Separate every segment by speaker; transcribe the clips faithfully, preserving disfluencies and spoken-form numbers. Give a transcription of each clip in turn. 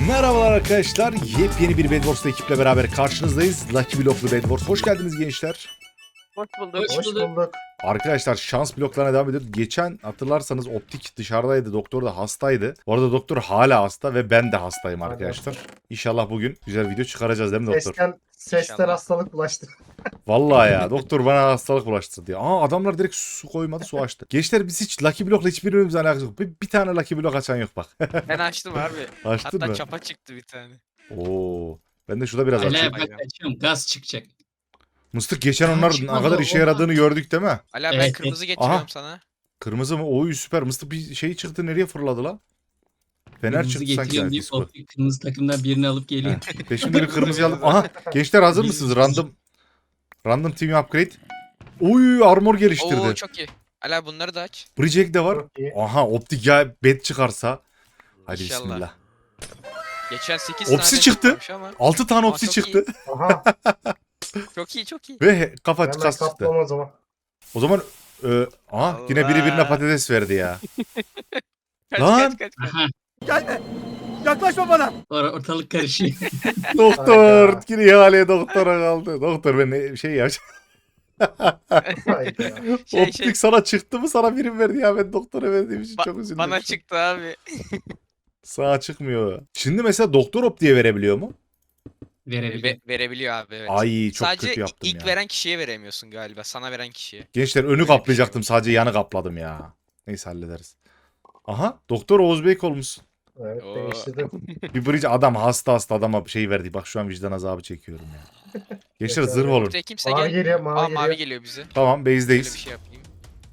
Speaker 1: Merhabalar arkadaşlar, yepyeni bir Bedwars'ta ekiple beraber karşınızdayız. Lucky Block'lu Bedwars. Hoş geldiniz gençler.
Speaker 2: Hoş bulduk.
Speaker 3: Hoş bulduk.
Speaker 1: Arkadaşlar şans bloklarına devam ediyoruz. Geçen hatırlarsanız Optik dışarıdaydı, doktor da hastaydı. Bu arada doktor hala hasta ve ben de hastayım arkadaşlar. İnşallah bugün güzel video çıkaracağız değil mi doktor?
Speaker 3: Sesten, sesten
Speaker 2: İnşallah.
Speaker 3: hastalık bulaştı.
Speaker 1: Vallahi ya doktor bana hastalık bulaştırdı ya. Aa adamlar direkt su koymadı, su açtı. Gençler biz hiç Lucky Block'la hiçbirimizin alakası yok. Bir, bir tane Lucky Block açan yok bak.
Speaker 2: Ben açtım abi.
Speaker 1: Açtın
Speaker 2: Hatta
Speaker 1: mı?
Speaker 2: çapa çıktı bir tane.
Speaker 1: Oo. Ben de şurada biraz
Speaker 2: Hala
Speaker 1: açayım.
Speaker 3: Hala bak açıyorum, gaz çıkacak.
Speaker 1: Mıstık geçen
Speaker 3: Aa,
Speaker 1: onlar ne
Speaker 3: çıkmadı,
Speaker 1: kadar işe
Speaker 3: olmaz.
Speaker 1: yaradığını gördük değil mi?
Speaker 2: Ala ben
Speaker 3: Evet,
Speaker 2: kırmızı
Speaker 3: evet.
Speaker 2: getiriyorum
Speaker 1: Aha.
Speaker 2: sana.
Speaker 1: Kırmızı mı? Oy süper. Mıstık bir şey çıktı, nereye fırladı la? Fener
Speaker 3: Kırmızı
Speaker 1: çıktı sanki.
Speaker 3: getiriyorum
Speaker 1: Yani,
Speaker 3: deyip
Speaker 1: disco.
Speaker 3: optik kırmızı takımdan birini alıp geliyor.
Speaker 1: Ve şimdi bir kırmızı alıp. Aha gençler hazır mısınız? Random Random team upgrade. Oy armor geliştirdi.
Speaker 2: Oo çok iyi. Ala bunları da aç.
Speaker 1: Bridge de var.
Speaker 3: Çok iyi.
Speaker 1: Aha optik ya bed çıkarsa. Hadi
Speaker 2: İnşallah.
Speaker 1: bismillah.
Speaker 2: Geçen sekiz
Speaker 1: Opsi
Speaker 2: tane
Speaker 1: çıktı.
Speaker 2: çıkmamış Ama
Speaker 1: altı tane
Speaker 2: Aa,
Speaker 1: opsi
Speaker 2: çok
Speaker 1: çıktı.
Speaker 3: Aha,
Speaker 2: çok iyi çok iyi.
Speaker 1: Ve kafa
Speaker 3: hemen
Speaker 1: kas çıktı.
Speaker 3: kaplam o zaman.
Speaker 1: O zaman e, aha yine biri birine
Speaker 2: Allah.
Speaker 1: patates verdi ya.
Speaker 2: Kaç
Speaker 1: Lan.
Speaker 2: kaç kaç. kaç.
Speaker 3: Aha,
Speaker 4: Gelme. Yaklaşma bana.
Speaker 3: or- ortalık karışıyor.
Speaker 1: Doktor.
Speaker 3: Hayda.
Speaker 1: Yine ihaleye doktora kaldı. Doktor ben ne- şey ya.
Speaker 3: Hayda.
Speaker 2: Şey,
Speaker 1: optik
Speaker 2: şey,
Speaker 1: sana çıktı mı, sana birim verdi ya, ben doktora verdiğim için
Speaker 2: ba-
Speaker 1: çok üzüldüm.
Speaker 2: bana çıktı abi.
Speaker 1: Sağa çıkmıyor. Şimdi mesela doktor optiye verebiliyor mu?
Speaker 3: Verebilir.
Speaker 2: Ve- verebiliyor abi evet.
Speaker 1: Ay çok
Speaker 2: Sadece
Speaker 1: kötü yaptım
Speaker 2: ilk
Speaker 1: ya.
Speaker 2: veren kişiye veremiyorsun galiba. Sana veren kişiye.
Speaker 1: Gençler önü
Speaker 2: Öyle bir şey
Speaker 1: kaplayacaktım, sadece yanı kapladım ya. Neyse hallederiz. Aha doktor Oğuz Bey olmuşsun.
Speaker 3: Evet,
Speaker 2: Oo.
Speaker 3: değiştirdim.
Speaker 1: Bir bridge adam hasta hasta adama şey verdi. Bak şu an vicdan azabı çekiyorum ya. Gençler
Speaker 3: Yeter.
Speaker 1: zırh olun.
Speaker 2: Ortaya kimse
Speaker 3: Mavi
Speaker 2: gel.
Speaker 3: geliyor, mavi
Speaker 2: Aa
Speaker 3: geliyor.
Speaker 2: mavi geliyor bize.
Speaker 1: Tamam
Speaker 2: Şöyle bir
Speaker 1: base'deyiz.
Speaker 2: şey yapayım.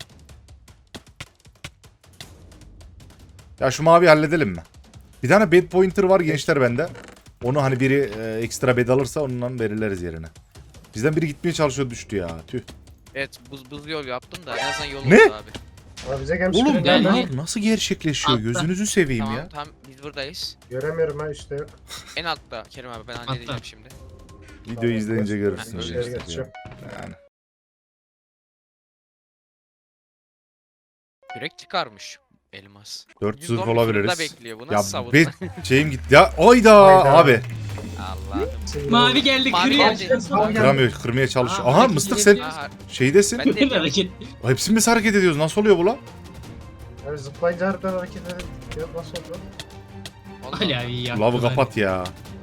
Speaker 1: Ya şu mavi halledelim mi? Bir tane bed pointer var gençler bende. Onu hani biri e, ekstra bed alırsa ondan verirleriz yerine. Bizden biri gitmeye çalışıyor, düştü ya. Tüh.
Speaker 2: Evet buz buz yol yaptım da en azından yol
Speaker 1: Ne?
Speaker 2: oldu abi.
Speaker 3: Abi bize gelmiş.
Speaker 1: Oğlum
Speaker 3: biri
Speaker 1: ben
Speaker 3: nerede?
Speaker 1: lan nasıl gerçekleşiyor?
Speaker 3: Altta.
Speaker 1: Gözünüzü seveyim
Speaker 2: Tamam
Speaker 1: ya.
Speaker 2: tamam biz buradayız.
Speaker 3: Göremiyorum ha, işte yok.
Speaker 2: En altta Kerim abi ben halledeceğim şimdi.
Speaker 1: Videoyu
Speaker 3: Tamam,
Speaker 1: izleyince
Speaker 3: ben
Speaker 1: görürsünüz.
Speaker 3: içeri
Speaker 1: gençler ya.
Speaker 3: geçeceğim.
Speaker 1: Yani.
Speaker 2: Yürek çıkarmış elmas.
Speaker 1: Dört
Speaker 2: Yüz
Speaker 1: zırh
Speaker 2: on fırında
Speaker 1: olabiliriz.
Speaker 2: bekliyor bu
Speaker 1: Ya
Speaker 2: nasıl savunma?
Speaker 1: bed şeyim gitti ya. Ayda
Speaker 3: Hayda.
Speaker 1: abi.
Speaker 2: Allah'ım.
Speaker 3: Şimdi-
Speaker 5: Mavi geldi
Speaker 2: Mavi
Speaker 5: kırıyor.
Speaker 2: geldi.
Speaker 3: Mavi geldi.
Speaker 1: Kıramıyor, kırmaya çalışıyor.
Speaker 5: Aa,
Speaker 1: Aha
Speaker 5: hareket
Speaker 1: mıstık sen
Speaker 5: edebiliyoruz.
Speaker 2: Aha,
Speaker 1: şeydesin.
Speaker 2: ben de
Speaker 5: Bir
Speaker 2: yapıyorum.
Speaker 5: hareket.
Speaker 1: Hepsini biz hareket ediyoruz. Nasıl oluyor bu lan?
Speaker 3: Abi zıplayınca harbiden hareket edelim. Ya nasıl oldu?
Speaker 2: Allah
Speaker 5: Ali
Speaker 2: Allah.
Speaker 5: abi yaktı.
Speaker 1: Lavı
Speaker 5: bari.
Speaker 1: kapat ya.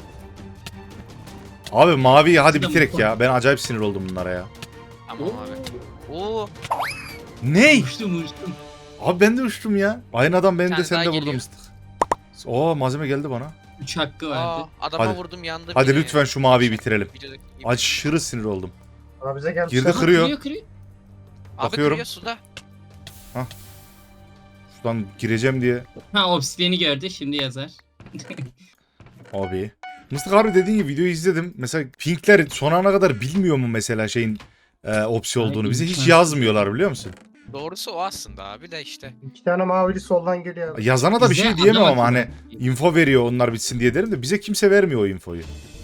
Speaker 1: Abi mavi hadi
Speaker 5: Şurada
Speaker 1: bitirek
Speaker 5: mı?
Speaker 1: ya. Ben acayip sinir oldum bunlara ya.
Speaker 2: Tamam abi. Oo,
Speaker 1: Ney?
Speaker 5: Uçtum uçtum.
Speaker 1: Abi ben de uçtum ya. Aynı adam benim
Speaker 2: Bir
Speaker 1: de
Speaker 2: tane
Speaker 1: sen de
Speaker 2: daha
Speaker 1: vurdum
Speaker 2: geliyor.
Speaker 1: mıstık. Oo malzeme geldi bana.
Speaker 5: Üç hakkı
Speaker 2: aa,
Speaker 5: vardı.
Speaker 2: adama
Speaker 1: Hadi.
Speaker 2: vurdum yandı.
Speaker 1: Hadi
Speaker 2: biri.
Speaker 1: lütfen şu maviyi bitirelim.
Speaker 2: Videodaki gibi.
Speaker 1: Aşırı sinir oldum.
Speaker 3: Abi bize gelmiş.
Speaker 1: Girdi
Speaker 3: Girdi
Speaker 1: kırıyor.
Speaker 5: Kırıyor kırıyor.
Speaker 2: Abi
Speaker 1: bakıyorum.
Speaker 2: kırıyor suda.
Speaker 1: Şuradan gireceğim diye.
Speaker 5: Ha obsidiyeni gördü şimdi yazar.
Speaker 1: Abi. Mıstık abi dediğin gibi videoyu izledim. Mesela pinkler son ana kadar bilmiyor mu mesela şeyin e, opsi
Speaker 5: Ay,
Speaker 1: olduğunu. Bize hiç
Speaker 5: imkansız.
Speaker 1: yazmıyorlar biliyor musun?
Speaker 2: Doğrusu o aslında abi de işte.
Speaker 3: İki tane mavili soldan geliyor abi.
Speaker 1: Yazana da bir
Speaker 5: Bize
Speaker 1: şey diyemem
Speaker 5: adam
Speaker 1: ama hani
Speaker 5: akıllı.
Speaker 1: info veriyor onlar bitsin diye derim de bize kimse vermiyor o infoyu.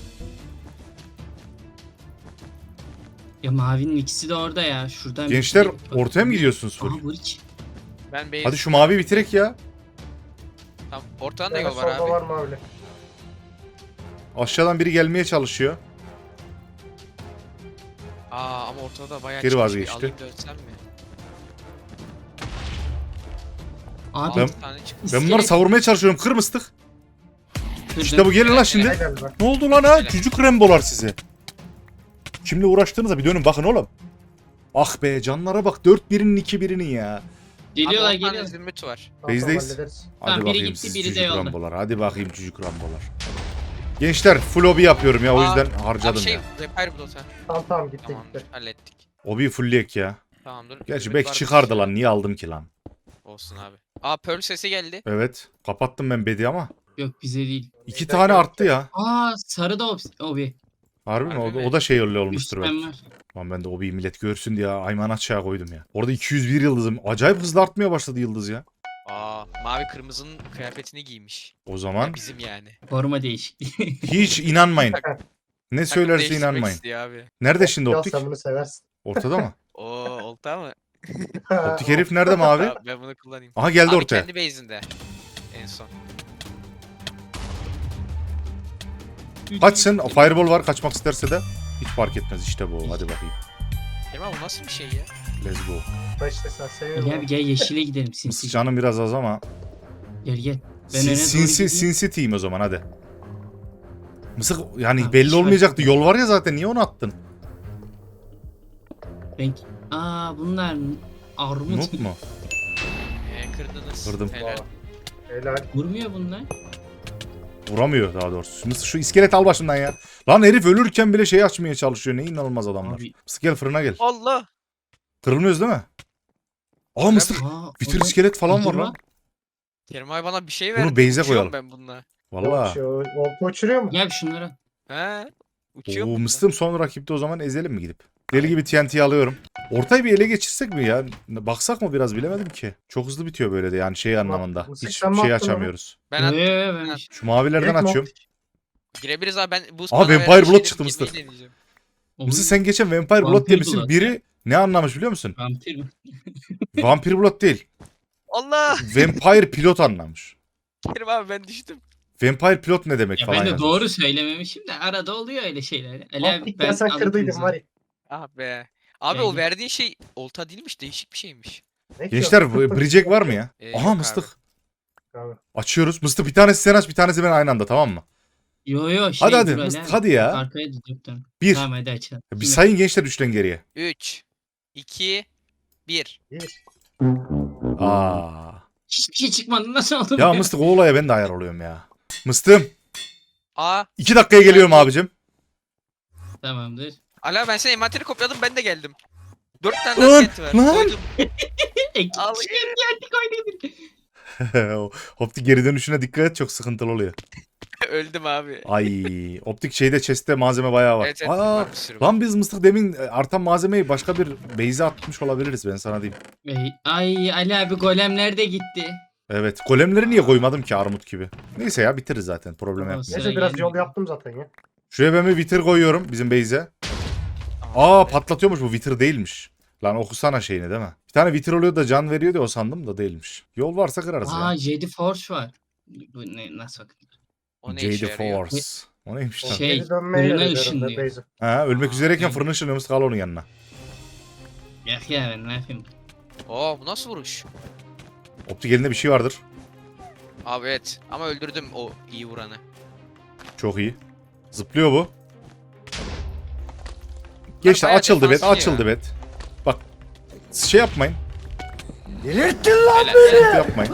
Speaker 5: Ya mavinin ikisi de orada ya. Şuradan.
Speaker 1: Gençler
Speaker 5: bir-
Speaker 1: ortaya mı gidiyorsunuz full?
Speaker 5: Aha bridge.
Speaker 2: Ben base.
Speaker 1: Hadi şu mavi bitirek ya.
Speaker 2: Tamam, ortadan da
Speaker 3: Bir tane
Speaker 2: yol var
Speaker 3: solda
Speaker 2: abi.
Speaker 3: var mavili.
Speaker 1: Aşağıdan biri gelmeye çalışıyor.
Speaker 2: Aa ama ortada bayağı
Speaker 1: Geri
Speaker 2: çıkmış.
Speaker 1: vazgeçti.
Speaker 2: Bir alayım da ölsem mi?
Speaker 5: Abi
Speaker 1: Ben-
Speaker 2: Altı tane çıkmış.
Speaker 1: Ben bunları savurmaya çalışıyorum. Kır mıstık.
Speaker 5: kırdım.
Speaker 1: İşte bu gelin lan
Speaker 3: Ne
Speaker 1: şimdi.
Speaker 3: geldi bak.
Speaker 1: Ne oldu lan ha?
Speaker 2: Öyle.
Speaker 1: Cücük Rembo'lar size. Kimle uğraştığınıza bir dönün bakın oğlum. Ah be canlara bak. Dört birinin iki birinin ya.
Speaker 5: Geliyorlar
Speaker 2: Abi on tane
Speaker 5: geliyorlar.
Speaker 2: zümrüt var.
Speaker 3: Tamam,
Speaker 1: Base'deyiz.
Speaker 3: hallederiz.
Speaker 1: Hadi
Speaker 5: Tamam, biri
Speaker 1: bakayım
Speaker 5: gitti,
Speaker 1: siz
Speaker 5: biri de
Speaker 1: cücük
Speaker 5: yolda.
Speaker 1: Rambo'lar. Hadi bakayım cücük Rambo'lar. Gençler full obi yapıyorum ya o
Speaker 2: Aa,
Speaker 1: yüzden
Speaker 2: Abi
Speaker 1: harcadım
Speaker 2: şey
Speaker 1: ya.
Speaker 2: repair blot ha.
Speaker 3: Tamam tamam gitti
Speaker 2: Tamamdır
Speaker 3: gitti.
Speaker 2: hallettik.
Speaker 1: Obi'yi fullleyek ya.
Speaker 2: Tamamdır.
Speaker 1: Gerçi
Speaker 2: Zümrüt
Speaker 1: belki
Speaker 2: var
Speaker 1: çıkardı
Speaker 2: mı?
Speaker 1: lan. Niye aldım ki lan?
Speaker 2: Olsun abi. Aa pearl sesi geldi.
Speaker 1: Evet. Kapattım ben bedi ama.
Speaker 5: Yok bize değil.
Speaker 1: İki tane arttı ya.
Speaker 5: Aa sarı da obs- obi.
Speaker 1: Harbi mi?
Speaker 2: Harbi
Speaker 1: O,
Speaker 2: mi?
Speaker 1: o da şey öyle
Speaker 5: Üç
Speaker 1: olmuştur
Speaker 5: ben
Speaker 1: belki.
Speaker 5: var.
Speaker 1: Lan ben de Obi'yi millet görsün diye ayman aşağı koydum ya. Orada iki yüz bir yıldızım. Acayip hızlı artmaya başladı yıldız ya.
Speaker 2: Aa mavi kırmızının kıyafetini giymiş.
Speaker 1: O zaman
Speaker 2: Ya bizim yani.
Speaker 5: Forma değişikliği.
Speaker 1: hiç inanmayın. Ne
Speaker 2: Takım
Speaker 1: söylerse
Speaker 2: değiştirmek
Speaker 1: inanmayın.
Speaker 2: istiyor abi.
Speaker 1: Nerede şimdi
Speaker 3: Ya
Speaker 1: optik?
Speaker 3: sen bunu seversin.
Speaker 1: Ortada mı?
Speaker 2: Oo oldu ama.
Speaker 1: Optik herif nerede mi abi?
Speaker 2: Tamam, ben bunu kullanayım.
Speaker 1: Aha geldi
Speaker 2: Abi
Speaker 1: ortaya.
Speaker 2: kendi base'inde. En son.
Speaker 1: Kaçsın. Fireball var. Kaçmak isterse de hiç fark etmez. İşte bu. Hadi bakayım.
Speaker 2: Kerim abi bu nasıl bir şey ya?
Speaker 1: Let's go.
Speaker 3: Da işte sen seviyorum.
Speaker 5: Gel gel yeşile gidelim
Speaker 1: Mısır
Speaker 5: sinsi.
Speaker 1: canım biraz az ama.
Speaker 5: Gel gel. Ben
Speaker 1: Sin-
Speaker 5: öne doğru
Speaker 1: sinsi,
Speaker 5: gideyim.
Speaker 1: sinsi team o zaman hadi. Mısık yani
Speaker 5: Abi,
Speaker 1: belli
Speaker 5: hiç fark
Speaker 1: olmayacaktı. Yol var ya zaten. Niye onu attın?
Speaker 5: Ben... Aa bunlar armut.
Speaker 1: Noob mu?
Speaker 2: Ee, kırdınız.
Speaker 1: Kırdım.
Speaker 2: Helal.
Speaker 3: Helal.
Speaker 5: Vurmuyor bunlar.
Speaker 1: Vuramıyor daha doğrusu. Mısır şu iskelet al başımdan ya. Lan herif ölürken bile şey açmaya çalışıyor. Ne inanılmaz adamlar.
Speaker 5: Abi.
Speaker 1: Mısır gel fırına gel.
Speaker 2: Allah.
Speaker 1: Kırılmıyoruz değil mi? Aa Mısır.
Speaker 5: Aa,
Speaker 1: Bitir
Speaker 5: orada
Speaker 1: iskelet falan var
Speaker 5: figür
Speaker 1: lan.
Speaker 2: Kerim abi bana bir şey
Speaker 1: Bunu
Speaker 2: verdi.
Speaker 1: base'e
Speaker 2: Uçuyorum
Speaker 1: koyalım.
Speaker 2: ben bununla.
Speaker 1: Valla.
Speaker 3: Şu olta uçuruyor mu?
Speaker 5: Gel şunlara.
Speaker 2: He. Uçuyor
Speaker 1: Oo
Speaker 2: bununla.
Speaker 1: Mıstım son rakipte o zaman ezelim mi gidip? Deli gibi T N T'yi alıyorum. Ortayı bir ele geçirsek mi ya? Baksak mı biraz bilemedim ki. Çok hızlı bitiyor böyle de yani şey
Speaker 3: Tamam.
Speaker 1: anlamında.
Speaker 3: Bu
Speaker 1: Hiç
Speaker 3: sistem mi
Speaker 1: şey
Speaker 3: attın
Speaker 1: açamıyoruz.
Speaker 2: Ben
Speaker 5: Ee,
Speaker 2: at-
Speaker 5: ben...
Speaker 2: ben-
Speaker 1: Şu mavilerden
Speaker 3: Direkt mi
Speaker 1: açıyorum.
Speaker 2: girebiliriz abi ben bu
Speaker 1: Aa,
Speaker 2: bana
Speaker 1: Vampire
Speaker 2: verdiği
Speaker 1: Blood
Speaker 2: şeyleri
Speaker 1: çıktı
Speaker 2: girmeyi
Speaker 1: Mısır.
Speaker 2: deneyeceğim.
Speaker 1: Mısır sen geçen Vampire Blood
Speaker 5: Vampir
Speaker 1: demişsin.
Speaker 5: Blood
Speaker 1: Biri ne anlamış biliyor musun?
Speaker 5: Vampir mi?
Speaker 1: Vampire Blood değil.
Speaker 2: Allah.
Speaker 1: Vampire Pilot anlamış.
Speaker 2: Kerim abi ben düştüm.
Speaker 1: Vampire Pilot ne demek
Speaker 5: Ya
Speaker 1: falan
Speaker 5: ben de
Speaker 1: yazmış.
Speaker 5: doğru söylememişim de arada oluyor öyle şeyler. Ali abi
Speaker 3: Optik
Speaker 5: ben
Speaker 3: ben sen kırdıydın
Speaker 5: anlatayım
Speaker 3: var ya.
Speaker 2: Ah be. Abi
Speaker 5: Yani-
Speaker 2: o verdiğin şey olta değilmiş değişik bir şeymiş.
Speaker 3: Ne ki
Speaker 1: Gençler
Speaker 3: o?
Speaker 1: bu- Bridgek var mı ya?
Speaker 2: Ee,
Speaker 1: Aha
Speaker 2: yok
Speaker 1: Mıstık.
Speaker 3: Abi.
Speaker 1: Açıyoruz. Mıstık bir tanesi sen aç bir tanesi ben aynı anda tamam mı?
Speaker 5: Yo yo şey
Speaker 1: Hadi hadi
Speaker 5: dur Ali
Speaker 1: Mıstık
Speaker 5: abi.
Speaker 1: hadi ya.
Speaker 5: Arkaya durdum.
Speaker 1: Bir.
Speaker 5: Tamam hadi açalım.
Speaker 1: Bir
Speaker 5: Şimdi-
Speaker 1: sayın gençler üçten geriye.
Speaker 2: üç, iki, bir.
Speaker 3: Bir.
Speaker 1: Aa.
Speaker 5: Hiçbir şey çıkmadı nasıl oldu?
Speaker 1: Ya
Speaker 5: bu?
Speaker 1: Mıstık o olaya ben de ayar oluyorum ya. Mıstım.
Speaker 2: A.
Speaker 1: iki dakikaya geliyorum abicim.
Speaker 5: Tamamdır.
Speaker 2: Ala ben senin envanteri kopyaladım ben de geldim. Dört tane
Speaker 1: Lan,
Speaker 2: daha skenti var.
Speaker 1: lan.
Speaker 2: Koydum.
Speaker 5: Ekip
Speaker 2: Al.
Speaker 5: şey geldi koyduk.
Speaker 1: O optik geri dönüşüne dikkat et çok sıkıntılı oluyor.
Speaker 2: Öldüm abi.
Speaker 1: Ay optik şeyde chest'te malzeme bayağı var.
Speaker 2: Evet evet.
Speaker 1: Aa,
Speaker 2: var bir sürü var.
Speaker 1: lan biz Mıstık demin artan malzemeyi başka bir base'e atmış olabiliriz ben sana diyeyim.
Speaker 5: Ey, Ay Ali abi golemler de gitti.
Speaker 1: Evet golemleri niye koymadım ki armut gibi. Neyse ya bitiririz zaten problem
Speaker 5: Tamam,
Speaker 1: yok.
Speaker 5: sıra
Speaker 3: Neyse biraz
Speaker 5: gelmiyor.
Speaker 3: yol yaptım zaten ya.
Speaker 1: Şuraya ben bir vitir koyuyorum bizim base'e. Aa patlatıyormuş bu vitir değilmiş. Lan okusana şeyini değil mi? Bir tane vitir oluyor da can veriyor diye o sandım da değilmiş. Yol varsa kırarız
Speaker 5: Aa
Speaker 1: ya.
Speaker 5: Jedi Force var. Bu ne nasıl bakın?
Speaker 2: O ne işe
Speaker 1: Jade
Speaker 2: yarıyor?
Speaker 1: Force. O neymiş lan?
Speaker 5: Şey,
Speaker 3: Geri dönmeye
Speaker 5: fırına
Speaker 3: yarıyor
Speaker 5: ışınlıyor.
Speaker 3: herhalde base'e.
Speaker 1: Ha, ölmek
Speaker 2: Aa,
Speaker 1: üzereyken
Speaker 5: yani.
Speaker 1: fırın ışınlıyormuş kal onun yanına.
Speaker 5: Yak ya ben ne yapayım?
Speaker 2: Oo bu nasıl vuruş?
Speaker 1: Optik elinde bir şey vardır.
Speaker 2: Abi evet ama öldürdüm o iyi vuranı.
Speaker 1: Çok iyi. Zıplıyor bu. Geçti
Speaker 2: bayağı
Speaker 1: açıldı bet
Speaker 2: defanslı
Speaker 1: açıldı
Speaker 2: ya.
Speaker 1: bet. Bak şey yapmayın.
Speaker 4: Delirttin lan
Speaker 2: Helal.
Speaker 1: Yapmayın.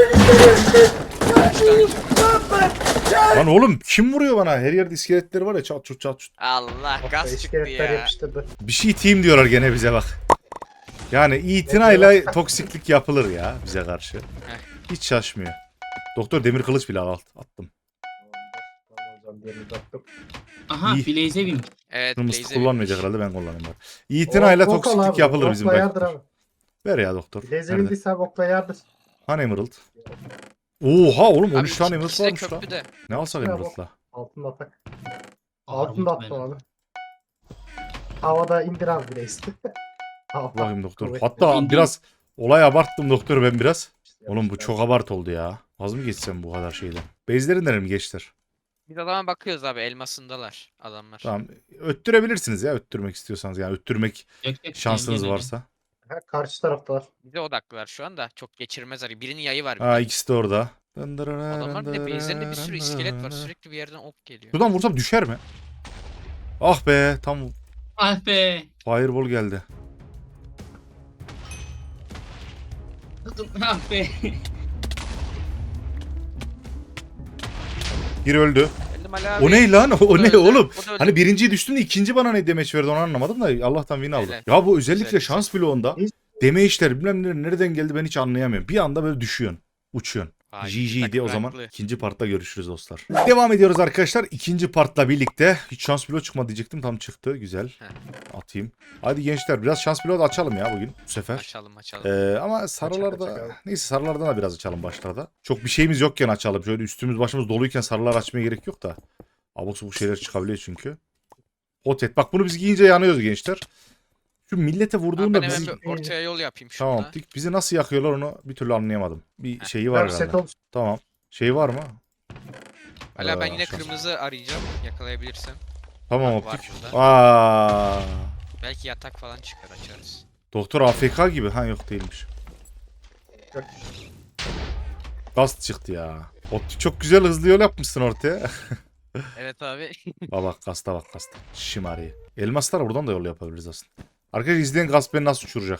Speaker 2: Üç tane-
Speaker 1: Lan oğlum kim vuruyor bana? Her yerde iskeletleri var ya çat çut çat çut.
Speaker 2: Allah
Speaker 3: Bak,
Speaker 2: gaz çıktı
Speaker 3: iskeletler
Speaker 2: ya.
Speaker 3: yapıştırdı.
Speaker 1: Bir şey team diyorlar gene bize bak. Yani itinayla toksiklik yapılır ya bize karşı. Hiç şaşmıyor. Doktor demir kılıç bile alt attım.
Speaker 3: Tamam o zaman birini taktım.
Speaker 5: Aha
Speaker 1: İyi.
Speaker 5: Blaze'e bin.
Speaker 2: Evet
Speaker 1: Kırmızı
Speaker 2: Blaze'e
Speaker 1: kullanmayacak
Speaker 2: binmiş.
Speaker 1: herhalde ben kullanayım bari. İtinayla
Speaker 3: Ok- ok al
Speaker 1: toksiklik
Speaker 3: abi,
Speaker 1: yapılır bizim
Speaker 3: okla yardır
Speaker 1: belki.
Speaker 3: abi.
Speaker 1: Ver ya doktor.
Speaker 3: Bileğe
Speaker 1: Nerede?
Speaker 3: bindiysen okla yardır.
Speaker 1: Hani Emerald? Oha oğlum on
Speaker 2: Abi
Speaker 1: üç tane Emerald
Speaker 2: ikisi de
Speaker 1: varmış lan.
Speaker 2: köprüde.
Speaker 1: Ne alsak
Speaker 3: Ya,
Speaker 1: Emerald'la?
Speaker 3: Altında atak.
Speaker 5: Armut
Speaker 3: Altında attım
Speaker 5: ben.
Speaker 3: abi. Havada indir abi bileği. Havada.
Speaker 1: Bakayım doktor.
Speaker 3: Kuvvetli.
Speaker 1: Hatta
Speaker 5: İndim.
Speaker 1: biraz olay abarttım doktor ben biraz.
Speaker 3: İşte
Speaker 1: Oğlum bu
Speaker 3: yapıştır.
Speaker 1: çok abart oldu ya. Az mı geçsem bu kadar şeyden? Base'lerinden mi geçtir?
Speaker 2: Biz adama bakıyoruz abi elmasındalar adamlar.
Speaker 1: Tamam. Öttürebilirsiniz ya öttürmek istiyorsanız. Yani öttürmek
Speaker 5: Yok, yok,
Speaker 1: şansınız
Speaker 5: gel, gel,
Speaker 1: varsa.
Speaker 3: Ha, karşı taraftalar.
Speaker 2: Bize odaklılar şu anda. Çok geçirmezler. Birinin yayı var.
Speaker 1: Ha
Speaker 2: bir
Speaker 1: ikisi de orada.
Speaker 2: Adamlar bir de base'lerinde bir sürü iskelet var. Sürekli bir yerden ok geliyor.
Speaker 1: Şuradan vursam düşer mi? Ah be tam
Speaker 5: gel. Ah be.
Speaker 1: fireball geldi.
Speaker 5: Ah be.
Speaker 1: Bir öldü.
Speaker 2: Geldim Ali abi.
Speaker 1: O ne lan? O, o
Speaker 2: da
Speaker 1: ne
Speaker 2: öldü,
Speaker 1: oğlum?
Speaker 2: o da öldü.
Speaker 1: Hani birinciyi düştüm de ikinci bana ne demeç verdi onu anlamadım da Allah'tan win aldı.
Speaker 2: Helal.
Speaker 1: Ya bu özellikle
Speaker 2: Güzel,
Speaker 1: şans bloğunda demeçler bilmem ne nereden geldi ben hiç anlayamıyorum. Bir anda böyle düşüyorsun. Uçuyorsun.
Speaker 2: Ay,
Speaker 1: G G diye o zaman
Speaker 2: takım
Speaker 1: ikinci partta görüşürüz dostlar. Devam ediyoruz arkadaşlar. İkinci partla birlikte. Hiç şans bloğu çıkmadı diyecektim. Tam çıktı. Güzel.
Speaker 2: Heh.
Speaker 1: Atayım. Hadi gençler biraz şans bloğu da açalım ya bugün bu sefer.
Speaker 2: Açalım açalım.
Speaker 1: Ee, ama
Speaker 3: açak
Speaker 1: sarılarda
Speaker 3: abi.
Speaker 1: neyse sarılardan da biraz açalım başlarda. Çok bir şeyimiz yokken açalım. Şöyle üstümüz başımız doluyken sarılar açmaya gerek yok da. Abuk sabuk şeyler çıkabiliyor çünkü. Hotet. Bak bunu biz giyince yanıyoruz gençler. Şu millete
Speaker 2: Abi
Speaker 1: vurduğunda
Speaker 2: ben
Speaker 1: bizi...
Speaker 2: hemen bir ortaya yol yapayım şurada.
Speaker 1: Tamam dik. Bizi nasıl yakıyorlar onu bir türlü anlayamadım. Bir şeyi var
Speaker 3: Var set
Speaker 1: galiba.
Speaker 3: ol.
Speaker 1: Tamam. Şey var mı?
Speaker 2: Hala ben
Speaker 1: Aa,
Speaker 2: yine
Speaker 1: şans.
Speaker 2: kırmızı arayacağım yakalayabilirsem.
Speaker 1: Tamam
Speaker 2: Bak, var
Speaker 1: optik.
Speaker 2: şurada.
Speaker 1: Aa.
Speaker 2: Belki yatak falan çıkar açarız.
Speaker 1: Doktor A F K gibi. Ha yok değilmiş.
Speaker 3: Yok.
Speaker 1: Gast çıktı ya. Optik çok güzel hızlı yol yapmışsın ortaya.
Speaker 2: Evet abi.
Speaker 1: Bak bak gasta bak gasta. Şımariye. Elmaslar buradan da yol yapabiliriz aslında. Arkadaşlar izleyen gast beni nasıl uçuracak?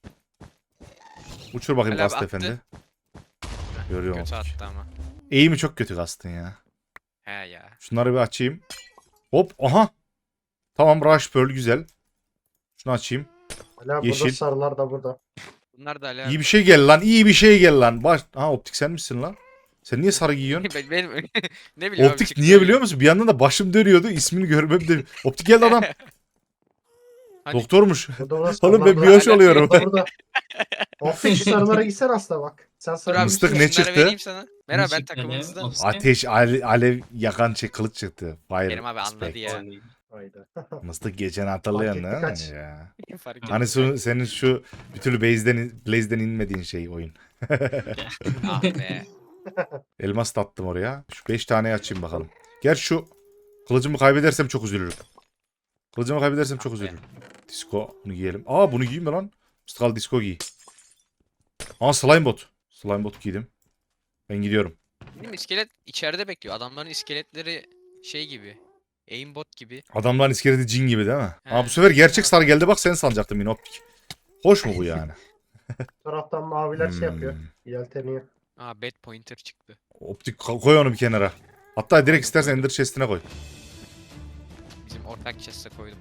Speaker 1: Uçur bakayım
Speaker 2: Hala
Speaker 1: gast
Speaker 2: attı.
Speaker 1: efendi. Görüyorum
Speaker 2: Kötü
Speaker 1: optik.
Speaker 2: attı ama.
Speaker 1: Eğimi çok kötü gastın ya.
Speaker 2: He ya.
Speaker 1: Şunları bir açayım. Hop aha. Tamam Rush Pearl güzel. Şunu açayım.
Speaker 3: Hala
Speaker 1: Yeşil.
Speaker 3: burada sarılar da burada.
Speaker 2: Bunlar da hala.
Speaker 1: İyi bir şey gel lan. İyi bir şey gel lan. Baş... Ha optik sen misin lan? Sen niye sarı giyiyorsun?
Speaker 2: Ben, benim ne bileyim abi,
Speaker 1: Optik
Speaker 2: çıktı
Speaker 1: niye
Speaker 2: öyle.
Speaker 1: biliyor musun? Bir yandan da başım dönüyordu. İsmini görmem de. Optik geldi adam.
Speaker 2: Hani-
Speaker 1: Doktormuş.
Speaker 3: Burada burada
Speaker 1: Oğlum
Speaker 3: sarılar
Speaker 1: ben
Speaker 3: da-
Speaker 1: bir hoş oluyorum.
Speaker 3: Burada burada. Optik şu sarılara gitsen asla bak. Sen
Speaker 2: Dur
Speaker 3: sarı
Speaker 2: abi,
Speaker 1: Mıstık
Speaker 2: şunları
Speaker 1: ne çıktı?
Speaker 2: vereyim sana. Merhaba ben
Speaker 5: çıktı hala?
Speaker 2: takımınızdan.
Speaker 5: Of.
Speaker 1: Ateş, ale- alev yakan şey kılıç çıktı. Fire.
Speaker 2: Kerim abi anladı
Speaker 1: Spec.
Speaker 2: ya.
Speaker 3: Hayda.
Speaker 1: Mıstık geçen hatırlayan
Speaker 3: Fark
Speaker 1: ne
Speaker 3: etti kaç.
Speaker 1: ya?
Speaker 2: Fark ettim.
Speaker 1: Hani şu, senin şu bir türlü base'den, Blaze'den inmediğin şey oyun.
Speaker 2: Ah be.
Speaker 1: Elmas da attım oraya. Şu beş taneyi açayım bakalım. Gerçi şu kılıcımı kaybedersem çok üzülürüm. Kılıcımı kaybedersem çok
Speaker 2: Ah be.
Speaker 1: üzülürüm. Disco bunu giyelim. Aa bunu giyeyim mi lan? Mıstıkal disco giy. Aa slime bot. Slime bot giydim. Ben gidiyorum.
Speaker 2: Benim iskelet içeride bekliyor. Adamların iskeletleri şey gibi. Aimbot gibi.
Speaker 1: Adamların iskeleti cin gibi değil mi?
Speaker 2: He.
Speaker 1: Aa bu sefer gerçek sarı geldi bak sen sanacaktım yine optik. Hoş mu bu yani?
Speaker 3: Bu taraftan maviler şey yapıyor.
Speaker 1: Hmm.
Speaker 3: Yelteniyor.
Speaker 2: Aa bad pointer çıktı.
Speaker 1: Optik ko- koy onu bir kenara. Hatta direkt istersen ender chest'ine koy.
Speaker 2: Bizim ortak chest'e koydum.